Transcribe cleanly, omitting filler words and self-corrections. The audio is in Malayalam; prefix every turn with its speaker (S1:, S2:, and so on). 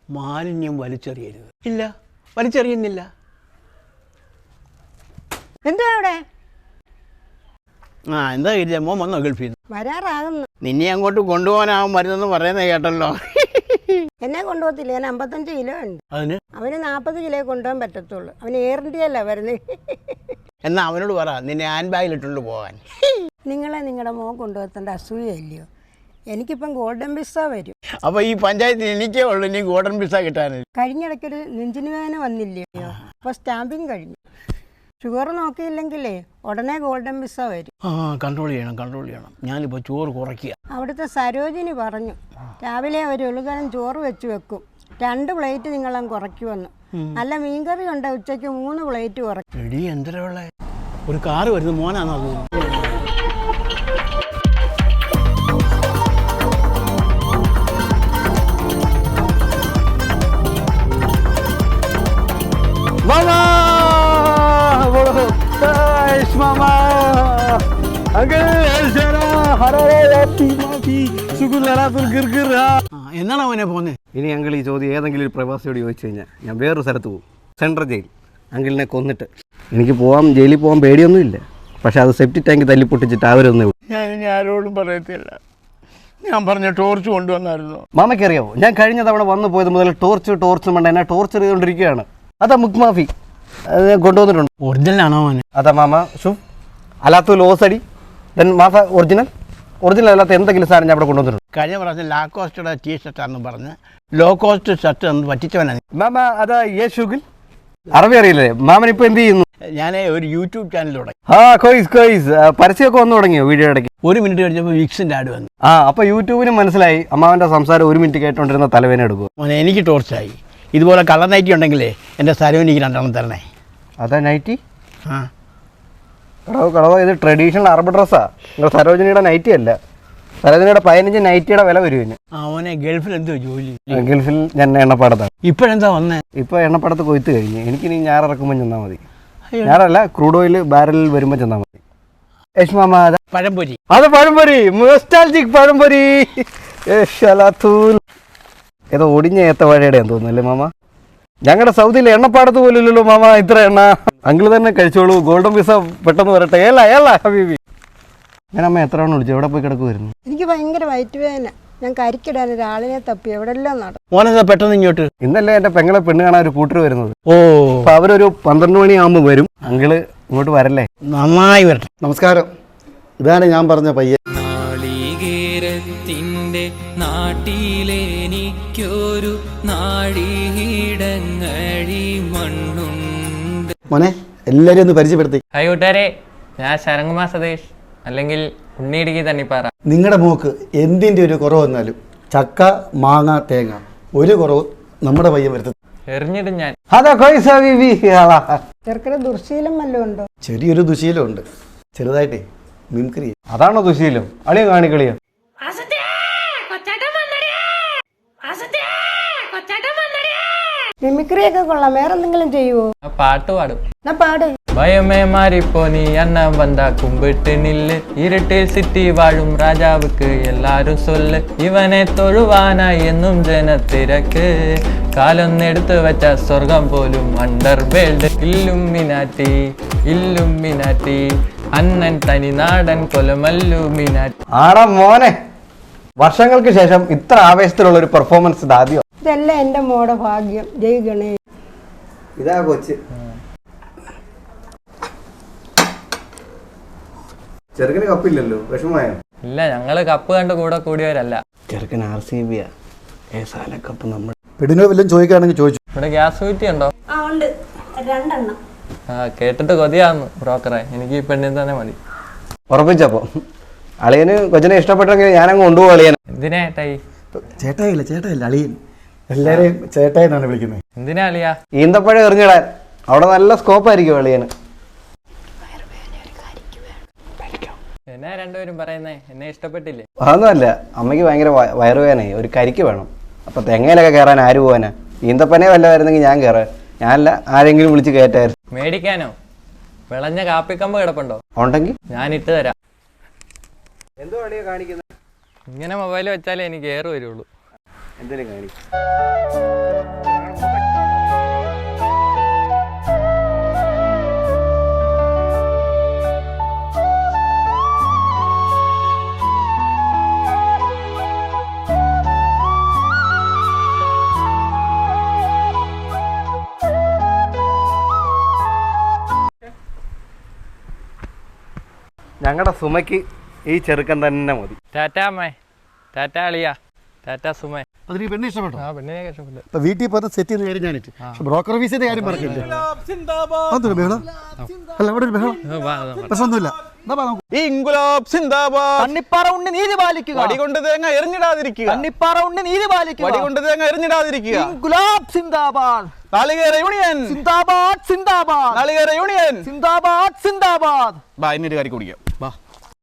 S1: മാലിന്യം വലിച്ചെറിയരുത്. ഇല്ല, വലിച്ചെറിയുന്നില്ല.
S2: എന്താ അവിടെ?
S1: എന്താ ഇല്ല, മോൻ വന്നോ ഗൾഫിൽ നിന്ന്?
S2: വരാറാകുന്നു.
S1: നിന്നെ അങ്ങോട്ട് കൊണ്ടുപോകാനാവും മരുന്നെന്ന് പറയുന്നത് കേട്ടല്ലോ.
S2: എന്നെ കൊണ്ടുപോകത്തില്ല, ഞാൻ 55 കിലോ ഉണ്ട്.
S1: അതിന്
S2: അവന് 40 കിലോ കൊണ്ടുപോകാൻ പറ്റത്തുള്ളൂ. അവന് എയർ ഇന്ത്യയല്ല വരുന്നത്.
S1: എന്നാ അവനോട് പറ നിന്നെ ഹാൻഡ് ബാഗിലിട്ടുകൊണ്ട് പോകാൻ.
S2: നിങ്ങളെ നിങ്ങളുടെ മോൻ കൊണ്ടുപോകത്തേണ്ട അസൂയല്ലയോ? എനിക്കിപ്പം ഗോൾഡൻ പിസ്സ വരും.
S1: അപ്പോൾ ഈ പഞ്ചായത്തിൽ എനിക്കേ ഉള്ളൂ ഇനി ഗോൾഡൻ പിസ്സ കിട്ടാനില്ല.
S2: കഴിഞ്ഞിടയ്ക്കൊരു നെഞ്ചിന് വേദന വന്നില്ലയോ? അപ്പോൾ സ്റ്റാമ്പിങ് കഴിഞ്ഞു. ഷുഗർ നോക്കിയില്ലെങ്കിലേ ഉടനെ ഗോൾഡൻ പിസ്സ വരും.
S1: കൺട്രോൾ ചെയ്യണം. ഞാനിപ്പോൾ ചോറ് കുറയ്ക്കുക.
S2: അവിടുത്തെ സരോജിനി പറഞ്ഞു രാവിലെ ഒരു ഉളുകലം ചോറ് വെച്ച് വെക്കും, 2 പ്ലേറ്റ് നിങ്ങളങ്ങ് കുറയ്ക്കുമെന്ന്. നല്ല മീൻകറി ഉണ്ട്, ഉച്ചയ്ക്ക് 3 പ്ലേറ്റ് കുറയ്ക്കും.
S1: എടി എന്തിനുള്ള ഒരു കാറ് വരുന്നത് മോനാണോ അത്? എന്നാണ് അവനെ പോന്നെ?
S3: ഇനി അങ്കിൾ ഈ ചോദ്യം ഏതെങ്കിലും ഒരു പ്രവാസിയോട് ചോദിച്ചു കഴിഞ്ഞാൽ ഞാൻ വേറൊരു സ്ഥലത്ത് പോകും, സെൻട്രൽ ജയിൽ. അങ്കിളിനെ കൊന്നിട്ട് എനിക്ക് ജയിലിൽ പോകാൻ പേടിയൊന്നുമില്ല. പക്ഷെ അത് സെപ്റ്റി ടാങ്ക് തല്ലിപ്പൊട്ടിച്ചിട്ട് അവരൊന്നേ ഉള്ളൂ.
S1: ഞാൻ ഇനി ആരോടും പറയത്തില്ല. ഞാൻ പറഞ്ഞ ടോർച്ച് കൊണ്ടുവന്നായിരുന്നു.
S3: മാമയ്ക്ക് അറിയാമോ, ഞാൻ കഴിഞ്ഞ തവണ വന്നു പോയത് മുതൽ ടോർച്ച് വേണ്ട എന്നെ ടോർച്ചർ ചെയ്തുകൊണ്ടിരിക്കുകയാണ്. അതാ മുക്മാഫി കൊണ്ടുവന്നിട്ടുണ്ട്.
S1: ഒറിജിനൽ ആണോ അവന്?
S3: അതാ മാമ ഷു അല്ലാത്ത ലോസടി ദെൻ മാഫ ഒറിജിനൽ അല്ലാത്ത എന്തെങ്കിലും സാധനം ഞാൻ അവിടെ കൊണ്ടുവന്നിട്ടുണ്ട്.
S1: കഴിഞ്ഞ പ്രാവശ്യം ലാക്കോസ്റ്റയുടെ ടീഷർട്ടാണെന്ന് പറഞ്ഞ് ലോ കോസ്റ്റ് ഷർട്ട് എന്ന് പറ്റിച്ചവനാണ്.
S3: മാമ അതാ യേശുഗിൽ അറബി അറിയില്ലേ? മാമൻ ഇപ്പൊ എന്ത് ചെയ്യുന്നു?
S1: ഞാൻ ഒരു യൂട്യൂബ് ചാനൽ തുടങ്ങി.
S3: കോയ്സ് പരസ്യമൊക്കെ വന്നു തുടങ്ങിയോ? വീഡിയോ ഇടയ്ക്ക്
S1: 1 മിനിറ്റ് കഴിഞ്ഞപ്പോൾ വിക്സിന്റെ ആഡ് വന്നു.
S3: അപ്പൊ യൂട്യൂബിന് മനസ്സിലായി അമ്മാവന്റെ സംസാരം 1 മിനിറ്റ് കേട്ടോണ്ടിരുന്ന തലവേന എടുക്കും.
S1: മോനെ എനിക്ക് ടോർച്ചായി. ഇതുപോലെ കളർ നൈറ്റി ഉണ്ടെങ്കിലേ എൻ്റെ സരോനിക്ക് 2 തരണേ.
S3: അതാ നൈറ്റി? കടവ ഇത് ട്രഡീഷണൽ അറബ് ഡ്രസ്സാ. നിങ്ങൾ സരോജിനിയുടെ നൈറ്റി അല്ല. സരോജിനിയുടെ 15 നൈറ്റിയുടെ വില വരും.
S1: അവനെ ഗൾഫിൽ എന്തോ ജോലി?
S3: ഗൾഫിൽ ഞാൻ എണ്ണപ്പാടത്താണ്.
S1: ഇപ്പോഴെന്താ വന്നേ?
S3: ഇപ്പൊ എണ്ണപ്പാടത്ത് കൊയ്ത്ത് കഴിഞ്ഞ് എനിക്കിനി ഞാറിറക്കുമ്പോൾ ചെന്നാൽ മതി. ഞാറല്ല, ക്രൂഡ് ഓയിൽ ബാരലിൽ വരുമ്പോൾ ചെന്നാൽ മതി.
S1: പഴംപൊരി.
S3: അത് പഴംപൊരി, നൊസ്റ്റാൾജിക് പഴംപൊരി. ഏതോ ഒടിഞ്ഞ ഏത്തവാഴയുടെയാന്ന് തോന്നുന്നല്ലേ മാമ? ഞങ്ങളുടെ സൗദിയിലെ എണ്ണപ്പാടത്ത് പോലില്ലല്ലോ മാമ ഇത്ര എണ്ണ. അങ്കിൾ തന്നെ കഴിച്ചോളൂ, ഗോൾഡൻ പിസ്സ പെട്ടെന്ന് വരട്ടെ. ഏല ഹബീബി. ഞാൻ അമ്മ എത്ര എണ്ണം വിളിച്ചു? എവിടെ പോയി കിടക്കുമായിരുന്നു?
S2: എനിക്ക് ഭയങ്കര വയറ്റുവേദന. ഞാൻ കരിക്കിടാൻ ഒരാളിനെ തപ്പി എവിടെല്ലാം നടന്നു.
S1: മോനെന്താ പെട്ടെന്ന് ഇങ്ങോട്ട്?
S3: ഇന്നല്ലേ എന്റെ പെങ്ങളെ പെണ്ണ് കാണാൻ ഒരു കൂട്ടർ വരുന്നത്.
S1: അപ്പൊ
S3: അവരൊരു 12 മണിയാകുമ്പോൾ വരും. അങ്കിള് ഇങ്ങോട്ട് വരല്ലേ?
S1: നന്നായി വരട്ടെ.
S3: നമസ്കാരം. ഇതാണ് ഞാൻ പറഞ്ഞ പയ്യൻ.
S4: നാളികേരത്തിന്റെ നാട്ടിലെനിക്കൊരു നാഴിയിടങ്ങഴി മണ്ണുണ്ട്.
S3: മോനെ എല്ലാരും ഒന്ന് പരിചയപ്പെടുത്തി.
S5: ഹായ് കൂട്ടുകാരെ, ഞാൻ ശരംകുമാർ സതീഷ്, അല്ലെങ്കിൽ ഉണ്ണിയിടുക്കി തണ്ണിപ്പാറ.
S6: നിങ്ങളുടെ മോക്ക് എന്തിൻ്റെ ഒരു കുറവ് വന്നാലും ചക്ക, മാങ്ങ, തേങ്ങ ഒരു കുറവ് നമ്മുടെ പയ്യൻ വരുത്തും.
S5: എറിഞ്ഞിടും ഞാൻ.
S2: ചെറുക്കന് ദുർശീലം വല്ലതും ഉണ്ടോ?
S6: ചെറിയൊരു ദുശീലമുണ്ട്, ചെറുതായിട്ടേ മിംക്രി.
S3: അതാണോ ദുശീലം? അളിയ കാണിക്കളിയോ?
S2: മിമിക്രിയൊക്കെ കൊള്ളാം. വേറെ എന്തെങ്കിലും ചെയ്യുവോ?
S5: പാട്ട് പാടും.
S2: എന്നാ പാട്.
S5: ഭയമേ മാറിപ്പോ നീ അണ്ണ വന്താ കുമ്പിട്ട് നില്ല്, ഇരുട്ടിൽ സിറ്റി വാഴും രാജാവുക്ക് എല്ലാരും സൊല്ല്, ഇവനെ തൊഴുവാനായി എന്നും ജനത്തിരക്ക്, കാലൊന്നെടുത്ത് വെച്ച സ്വർഗം പോലും അണ്ടർ വേൾഡ്. ഇല്ലുമിനാറ്റി അണ്ണൻ തനി നാടൻ കൊലമല്ലുമിനാറ്റി.
S3: ആടാ മോനെ, വർഷങ്ങൾക്ക് ശേഷം ഇത്ര ആവേശത്തിലുള്ള ഒരു പെർഫോമൻസ് ആദ്യം.
S2: ഇതല്ല എന്റെ മോടെ ഭാഗ്യം. ജയ് ഗണേഷ്.
S3: ഇതാ കൊച്ച്. ചെറുക്കന് കപ്പില്ലല്ലോ, വിഷമമായോ?
S5: ഇല്ല, ഞങ്ങള് കപ്പ് കണ്ട് കൂടെ കൂടിയവരല്ല.
S3: ചെറുക്കൻ RCB കപ്പ്. നമ്മൾ
S6: പെടിനോ വല്ലതും ചോദിക്കുകയാണെങ്കിൽ ചോദിച്ചു.
S5: ഇവിടെ ഗ്യാസ് കുറ്റി ഉണ്ടോ?
S2: ഉണ്ട്, 2 എണ്ണം.
S5: കേട്ടിട്ട് കൊതിയാന്ന് ബ്രോക്കറെ. എനിക്ക് ഈ പെണ്ണിന് തന്നെ മതി.
S3: ഉറപ്പിച്ചപ്പോ അളിയന് കൊച്ചിനെ ഇഷ്ടപ്പെട്ടെങ്കിൽ ഞാനങ്ങ് കൊണ്ടുപോകും. അളിയനെ
S5: എന്തിനാ ഏട്ടായി?
S6: ചേട്ടായില്ല അളിയൻ. എല്ലാരെയും ചേട്ടായി എന്നാണ് വിളിക്കുന്നത്.
S5: എന്തിനാ അളിയാ?
S3: ഈന്തപ്പഴം എറിഞ്ഞിടാൻ അവിടെ നല്ല സ്കോപ്പായിരിക്കും അളിയന്.
S5: എന്നാ രണ്ടുപേരും പറയുന്നേ? എന്നെ ഇഷ്ടപ്പെട്ടില്ലേ?
S3: അതൊന്നുമല്ല, അമ്മയ്ക്ക് ഭയങ്കര വയറുവേദനയായി, ഒരു കരിക്ക് വേണം. അപ്പൊ തെങ്ങയിലൊക്കെ കയറാൻ ആര് പോവാനാ? ഈന്തപ്പനെ വല്ലതായിരുന്നെങ്കിൽ ഞാൻ കയറാൻ. ഞാനല്ല, ആരെങ്കിലും വിളിച്ച് കയറ്റായിരുന്നു.
S5: മേടിക്കാനോ? വിളഞ്ഞ കാപ്പിക്കമ്പ് കിടപ്പുണ്ടോ?
S3: ഉണ്ടെങ്കിൽ
S5: ഞാൻ ഇട്ട് തരാം.
S3: എന്തോ അളിയാ കാണിക്കുന്നത്?
S5: ഇങ്ങനെ മൊബൈൽ വെച്ചാലേ എനിക്ക് എയർ വരുള്ളൂ.
S3: എന്തിനും കാണി. ഞങ്ങളുടെ സുമയ്ക്ക് ഈ ചെറുക്കൻ തന്നെ മതി.
S5: ടാറ്റാ അമ്മേ, ടാറ്റാ അളിയ, ടാറ്റാ സുമേ.
S6: അതിന് പെണ്ണ് ഇഷ്ടപ്പെട്ടോ?
S5: ആ പെണ്ണിനെ ഇഷ്ടപ്പെട്ടു.
S6: ഇപ്പൊ വീട്ടിൽ പറഞ്ഞ് സെറ്റ് ചെയ്യുന്ന കാര്യം ഞാനിട്ട് ബ്രോക്കർ ഫീസിന്റെ കാര്യം പറഞ്ഞില്ലേ? അതൊരു ബഹളം അല്ല, അവിടെ ഒരു ബഹളം പ്രശ്നമൊന്നുമില്ല.
S1: ഇൻകുലാബ് സിന്ദാബാദ്.
S7: കണ്ണിപ്പാറ ഉണ്ണി നീതി പാലിക്കുക.
S1: വടികൊണ്ട് തേങ്ങ എറിഞ്ഞിടാതിരിക്കുക.
S7: കണ്ണിപ്പാറ ഉണ്ണി നീതി പാലിക്കുക.
S1: വടികൊണ്ട് തേങ്ങ എറിഞ്ഞിടാതിരിക്കുക.
S7: ഗുലാബ് സിന്ദാബാദ്.
S1: നാളികേര യൂണിയൻ
S7: സിന്ദാബാദ് സിന്ദാബാദ്.
S1: നാളികേര യൂണിയൻ
S7: സിന്ദാബാദ് സിന്ദാബാദ്.
S1: ബാ, ഇന്നൊരു കാര്യം കുടിക്കാം.